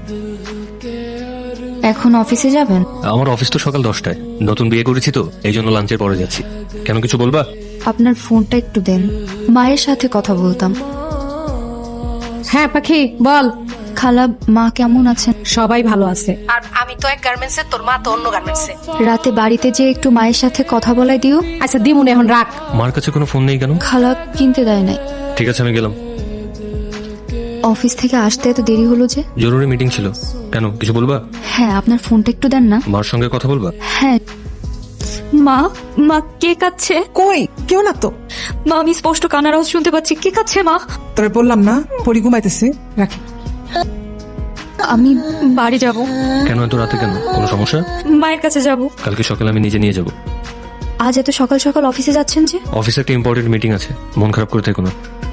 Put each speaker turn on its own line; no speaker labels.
এখন অফিসে যাবেন?
আমার অফিস তো সকাল 10টায়। নতুন বিয়ে করেছি তো, এই জন্য লাঞ্চের পরে যাচ্ছি। কেন, কিছু বলবা?
আপনার ফোনটা একটু দেন, মায়ের সাথে কথা বলতাম।
হ্যাঁ পাখি বল।
খালা, মা কেমন আছেন?
সবাই ভালো আছে। আর আমি তো এক গার্মেন্টসে, তোর মা তো অন্য গার্মেন্টসে।
রাতে বাড়িতে যে একটু মায়ের সাথে কথা বলাই দিও।
আচ্ছা দিমুন, এখন রাখ।
মার কাছে কোনো ফোন নেই কেন?
খালা কিনতে দেয় নাই।
ঠিক আছে, আমি গেলাম।
অফিস থেকে আসতে এত দেরি হলো যে?
জরুরি মিটিং ছিল। কেন, কিছু বলবা?
হ্যাঁ, আপনার ফোনটা একটু দেন না।
মার সঙ্গে কথা বলবা?
হ্যাঁ। মা, মা কে কাচ্ছে?
কই কেউ না তো।
মা, আমি স্পষ্ট কান্নার আওয়াজ শুনতে পাচ্ছি। কে কাচ্ছে মা?
তোরে বললাম না পরি ঘুমাইতেছে, রাখি।
আমি বাড়ি যাব।
কেন এত রাতে, কেন কোনো সমস্যা?
মায়ের কাছে যাব।
কালকে সকালে আমি নিজে নিয়ে যাব।
আজ এত সকাল সকাল অফিসে যাচ্ছেন যে?
অফিসে একটা ইম্পর্টেন্ট মিটিং আছে, মন খারাপ করে থেকো না।